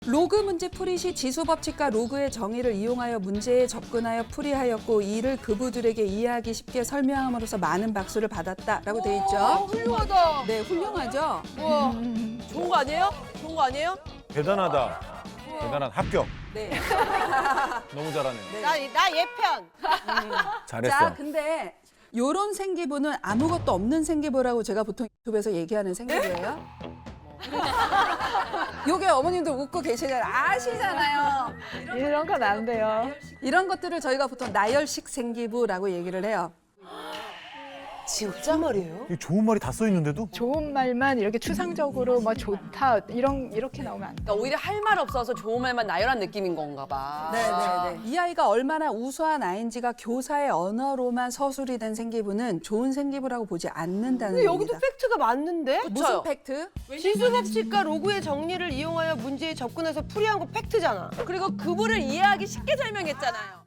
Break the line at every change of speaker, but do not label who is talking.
로그 문제 풀이 시 지수 법칙과 로그의 정의를 이용하여 문제에 접근하여 풀이하였고 이를 그부들에게 이해하기 쉽게 설명함으로써 많은 박수를 받았다라고 돼 있죠.
훌륭하다.
네, 훌륭하죠.
우와. 좋은 거 아니에요? 좋은 거 아니에요?
대단하다. 대단한 합격.
네.
너무 잘하네.
나 예편.
잘했어.
자, 근데 요런 생기부는 아무것도 없는 생기부라고 제가 보통 유튜브에서 얘기하는 생기부예요. 요게 어머님들 웃고 계시잖아요. 아시잖아요.
이런 건 안 돼요.
이런 것들을 저희가 보통 나열식 생기부라고 얘기를 해요.
진짜 말이에요?
이 좋은 말이 다 써 있는데도
좋은 말만 이렇게 추상적으로 뭐 좋다 이렇게 나오면 안 돼.
그러니까 오히려 할 말 없어서 좋은 말만 나열한 느낌인 건가 봐.
네네네. 이 아이가 얼마나 우수한 아이인지가 교사의 언어로만 서술이 된 생기부는 좋은 생기부라고 보지 않는다는
근데 여기도
겁니다.
팩트가 맞는데?
무슨 팩트?
지수 법칙과 로그의 정리를 이용하여 문제에 접근해서 풀이한 거 팩트잖아.
그리고 그분을 이해하기 쉽게 설명했잖아요.